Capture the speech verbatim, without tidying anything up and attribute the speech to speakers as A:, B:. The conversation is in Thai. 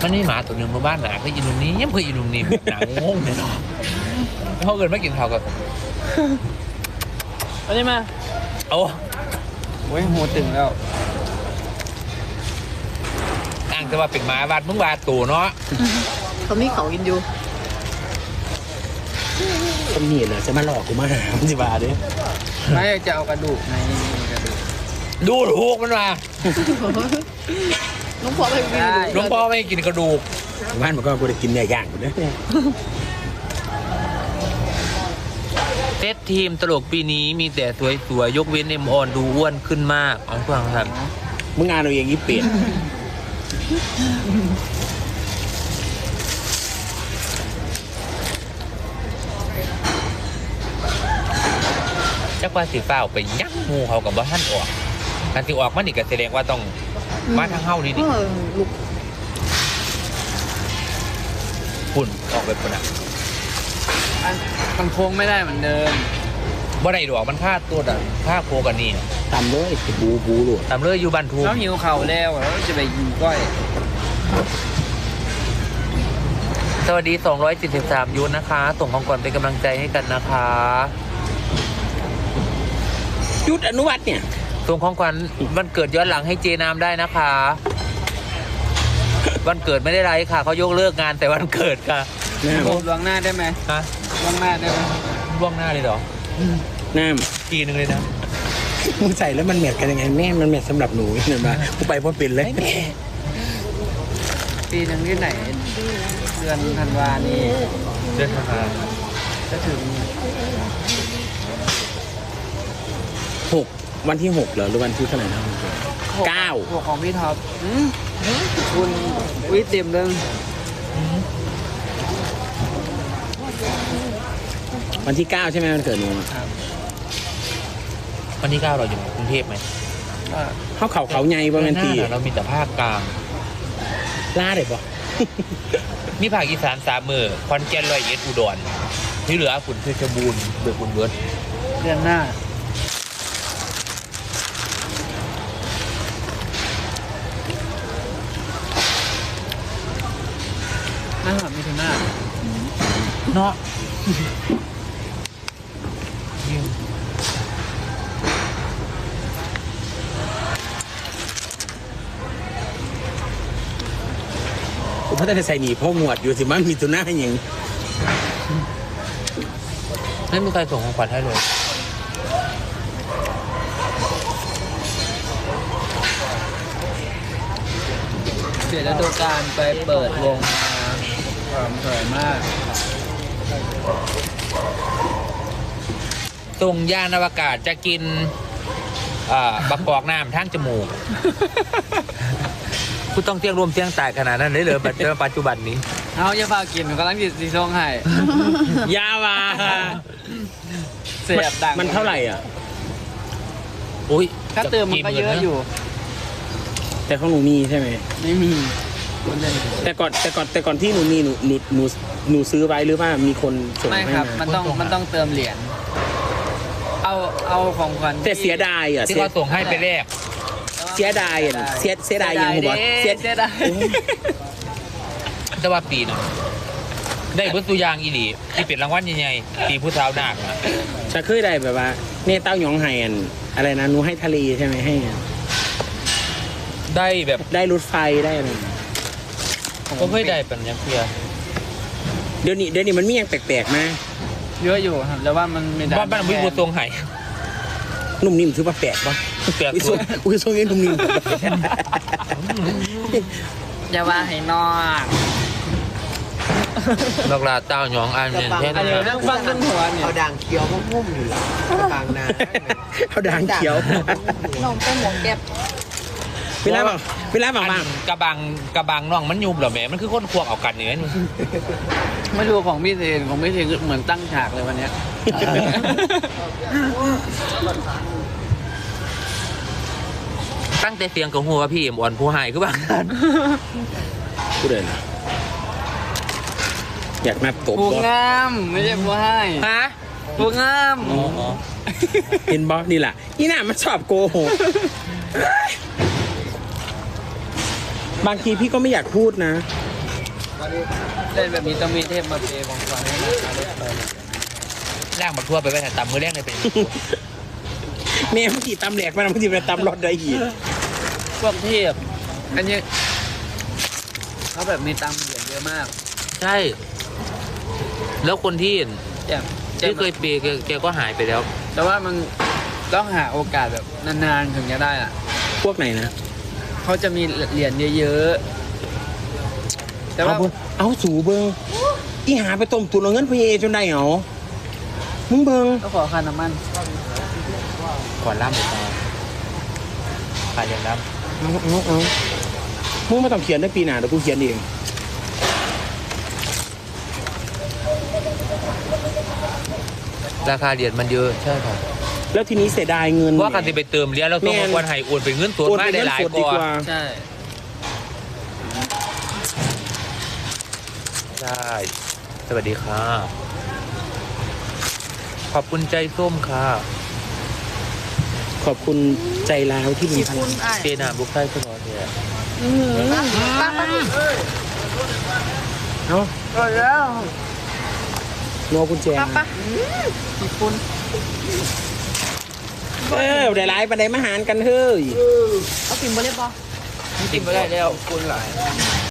A: มันนี่หมาตัวหนึ่งมาบ้านหนาเคยอินุ่มนี้ยังเคยอินุ่มนี้หนางงเลยเนาะเขาเกินไม่กินข้าวกับ
B: เอาได้มา
A: โอ้
B: โอ้ยหัวตึงแล้ว
A: อ้างแต่ว่าเป็นหมาบาดมึงบาดตัวเนาะ
C: เขามีเขากินอยู่
D: คนนี้นะจะมาหลอกกูมาหามันสิบาทดิ
B: ไม่จะเอากระดูกในกระดูก
A: ดูถูกมันมา
C: น้องพ่อไม่กิน
A: น้องพ่อไม่กินกระดูก
D: บ้านมันก็กูได้กินเนื้อย่างกูเนี่ย
A: เซตทีมตลกปีนี้มีแต่สวยๆยกเว้นเอ็มออนดูอ้วนขึ้นมากอ๋อฟังครับ
D: มึงงานเราเองยี่เปลี่ยน
A: จักว่าสีฟ้าไปยักงูเขากับบ้านออกการสิออกมันนี่ก็แสดงว่าต้องมาทางเฮ้านี่ดิฝุ่นออกไปปุ่นอ่ะ
B: มันโค้งไม่ได้เหมือนเดิม
A: บ่ได้ดอกมันค่าตัวดันค่าโคกันนี่
D: ตามเลยบูบูหลุด
A: ตามเลยอยู่บ้านทู
B: เขาหิวเข่าแล้วแล้วจะไปยิงก้อย
A: สวัสดีสองร้อยเจ็ดสิบสามยูนนะคะส่งของก่อนเป็นกำลังใจให้กันนะคะ
D: ยุดอนุวัตเนี่ย
A: ส่งของขวัญวันเกิดย้อนหลังให้เจนามได้นะคะวันเกิดไม่ได้ไรค่ะเขายกเลิกงานแต่วันเกิดค่ะ
B: โอ้ล่วงหน้าได้ไหม
A: ฮะ
B: ล่วงหน้าได้ไหม
A: ล่วงหน้าเลยเหรอ
D: น้
A: ำปีนึงเลยนะ
D: มึงใส่แล้วมันแมทกันยังไงแม่มันแมทสำหรับหนูเห็นไหมกูไปเพราะเป็นเลย
B: ปีนึงที่ไหนเดือนธันวานี่
A: เดือนธันวา
B: จะถึง
D: หกวันที่หกเหรอหรือวันที่เท่าไหร่นะเก้า
B: หกของพี่ท็อปคุณวิเต็มเลย
D: วันที่เก้าใช่ไหมวันเกิดหนู
B: ครับ
A: วันที่เก้าเราอยู่กรุงเทพไหม
D: เขาเขาเขาใหญ่ประมาณปี
A: เรามีแต่ภาคกลาง
D: ล่าเลยปะ
A: มีภาคอีสานสามมือคอนแก่นร้อยเอ็ดอุดรที่เหลือฝุ่นเพชรบูรณ์เบิกบุญเบิร์ด
B: เดือนหน้าหน้ามีถึงหน้า
A: เนาะ
D: ผมพัฒนาใส่หนีพ่อหมวดอยู่สิมันมีตัวหน้าอย่าง
A: ไม่มีใครส่งของขวัญให้เลย
B: เปลี่ยนฤดูกาลไปเปิดวงมาความสวยมาก
A: ส่งยานอวกาศจะกินบักกอกน้ำทั้งจมูกคุณต้องเสี่ยงรวมเสี่ยงตายขนาดนั้นเลยเหรอปัจจุบันนี้
B: เอาอย่าพากินกำลังจิตสีส้มให้
D: ยาวา
B: เสียบดัง
D: มันเท่าไหร่อ่ะ
A: อุ้ย
B: ถ้าเติมมันก็เยอะอยู่
D: แต่ของหนูมีใช่ไหม
B: ไม่มี
D: แต่ก่อนแต่ก่อนแต่ก่อนที่หนูมีหนูหนูหนูหนูซื้อไว้หรือว่ามีคนส่งให้
B: ไม่ครับมันต้องมันต้องเติมเหรียญเอาเอาของขวัญ
D: แต่เสียดายอ่ะ
A: ที่เขาส่งให้ไปแรก
D: เสียดายอ่ะเสียเสียดายยังบอก
B: เสียดาย
A: แต่ว่าปีนึงได้บุตรยางอีหลีที่เป็นรางวัลใหญ่ๆปีผู้สาวนาคนะ
D: จะเคยได้แบบว่าเนี่ยเต้าหยองไฮอันอะไรนะหนูให้ทะเลใช่ไหมให้
A: ได้แบบ
D: ได้รถไฟได้อะไร
A: ก็เคยได้เป็นยังเพีย
D: เดี๋ยวนี้เดี๋ยวนี้มันมีอย่างแปลกๆนะ
B: เยอะอยู่ครับแต่ว่ามันไม่ได้
A: บ้านบ้านวิบูตรงไห่
D: นุ่มนิ่มถือว่าแปลกปะ
A: แปลก
D: อุ้ยอุ้ยทรงนี้นุ่มนิ่ม
B: อย่าว่าให้นอก
A: นอกลาเต้าหยองอันเนี่ยแค่
B: นั้นเรื่องฟังต้นหัวเนี่ย
C: เอาด่างเขียวมุ่มอยู่หลังกลางนา
D: เอาด่างเขียว
C: น้องเป็นหมวกแก๊ป
D: เวลาบอกเวลาบอกว่
A: ากระบังกระบังน้องมันยุบเหรอแม่มันคือคนควงเอากันอย่างนี้
B: ไม่รู้ของพี่เทนของพี่เทนเหมือนตั้งฉากเลยวันนี้
A: ตั้งแต่เสียงกับหัวพี่อ่อนผู้หายก็บางท่าน
D: กูเดินอยากนับตบ
B: ผู้งามไม่ใช่ผู้ให้
A: ฮะ
B: ผู้งาม
D: เห็นบอสนี่แหละนี่น่ะมันชอบโกหกบางทีพี่ก็ไม่อยากพูดนะ
B: เล่นแบบนี้ต้องมีเทพมาเปย์ของขวัญให้นะคะรถไฟ
A: ร่างบักทั่วไปไว้แต่ต่ำมือแรกเลยเป็น
D: แม่เมื่อกี้ตำแหลกมันเมื่อกี้ไปตำรถได้อีก
B: พวกเทพอันนี้เขาแบบมีตังค์เหรียญเยอะมาก
A: ใช่ แล้วคนที่
B: แจ่มแจ่
A: ที่
B: ม
A: เคยเปย์แกแกก็หายไปแล้ว
B: แต่ว่ามันต้องหาโอกาสแบบนานๆถึงจะได้อ่ะ
D: พวกไหนนะ
B: เขาจะมีเหรียญเยอะๆแต่ว่า
D: เอาเบิ่งเอาสูเบิงอีหาไปต้มตุนเอาเงินพีเอจนได้เหรอมึงเบิง
B: ก็ขอค่าน้ำมัน
A: ก่อนล่ำหรือเปล่าขายอย่างล่
D: เอาเอาเอามึงไม่ต้องเขียนได้ปีหน้าเดี๋ยวกูเขียนเอง
A: ำราคาเหรียญมันเยอะใช่ครับ
D: แล้วทีนี้เสียดายเงิน
A: เพราะว่าการที่ไปเติมเหรียญเราต้อง
D: แม่น
A: ควรให้โอนเป็นเงินสด
D: โอน
A: มา
D: เป็น
A: ได้
D: เงิน
A: หลาย
D: สดดี
A: ก
D: ก
A: ว่า
D: ว่า
B: ใช่
A: ใช่ สวัสดีค่ะ ขอบคุณใจส้มค่ะ
D: ขอบคุณใจร้าวที่มี
C: ขี้
D: พ
C: คุ
D: ลั
C: ณ
D: ง
C: ไอ้
A: เจนามบุกไส้ขึ้นมาเนี่ย
C: ป้าป้า
D: เอ้า
C: เออแล้ว
D: โนกุญแจ
C: ป้าป้าขี้คุณ
D: เออได้ร้ายปันไดมาหารกันเฮ้ย
C: เอาพิมพ์บอลเล่บอล
B: กินไม่ได้แล้วคุณหลาย